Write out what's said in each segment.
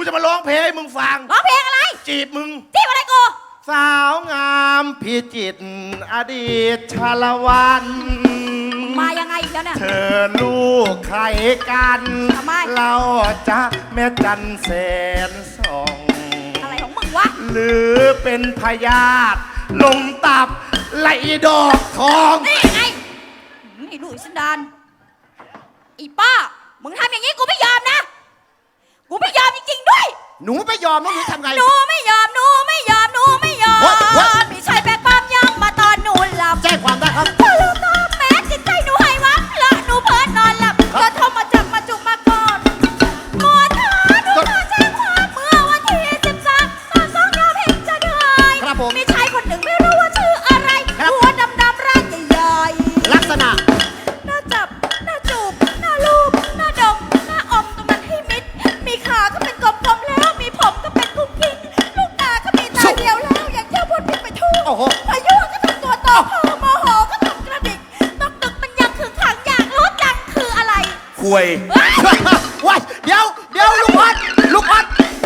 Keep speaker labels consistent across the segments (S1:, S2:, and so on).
S1: จะมาร้องเพลงให้มึงฟัง
S2: ร้องเพลงอะไร
S1: จีบมึง
S2: จีบอะไรกู
S1: สาวงามพิจิตรอดีตชาละวัน
S2: มายังไงอีกแล้วเนี่ย
S1: เธอลูกใครกัน
S2: ทำไม
S1: เราจะแม่จันแสนส่อง
S2: อะไรของมึงวะ
S1: หรือเป็นพยาธิลงตับไหลดอกทอง
S2: นี่ไงนี่ลูกสันดานอีป้ามึงทำอย่างนี้กูไม่ยอมนะกูไม่ยอมจริงๆด้วย
S1: หนูไม่ยอมแล้วหนูทำไง
S2: หนูไม่ยอมหนูไม่ยอมหนูไม่ยอมมีชายแบกปั๊มยังมาตอนหนูหลับ
S1: แจ้งความได้ครับ
S2: พอลืมตาแม้จิตใจหนูให้วับและหนูเพิ่นนอนหลับก็โทรมาจับมาจุกมากอดหมอเธอหนูมาแจ้งความเมื่อวันที่13 ตอน2 ยามเห็นจะเหนื่อยมีชายคนหนึ่งไม่รู้ว่าชื่ออะไรหัวดำๆร่างใหญ่
S1: ๆลักษณะ
S2: หน้าจับหน้าจูบหน้าลูบหน้าดมหน้าอมตรงนั้นให้มิดมีขาก็เป็นกลมๆแล้วมีผมก็เป็นกุ้งกิ้งลูกตาก็มีตาเดียวแล้วอย่างเที่ยวพ่นพิษไปทั่วพายุก็ทำตัวโตโมโหก็ทำกระดิกตกตึกมันยังคือขังอยากรู้จังคืออะไร
S1: คุยว้ายเดี๋ยวลูกออดลูกออด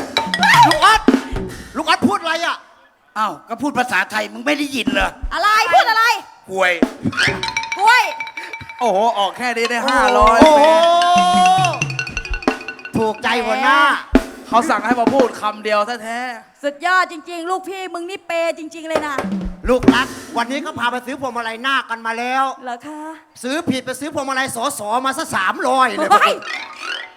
S1: พูดอะไรอ่ะ
S3: อ้าวก็พูดภาษาไทยมึงไม่ได้ยินเหรอ
S2: อะไรพูดอะไร
S3: คุย
S2: กล้วย
S3: โอ้โหออกแค่นี้ได้500
S1: โอ้โหถูกใจหัวหน้า
S3: เขาสั่งให้มาพูดคำเดียวแท้
S2: สุดยอดจริงๆลูกพี่มึงนี่เปย์จริงๆเลยนะ
S1: ลูกรักวันนี้เขาพาไปซื้อพวงมาลัยหน้ากันมาแล้ว
S2: เหรอคะ
S1: ซื้อผิดไปซื้อพวงมาลัยสอมาซะ300เลย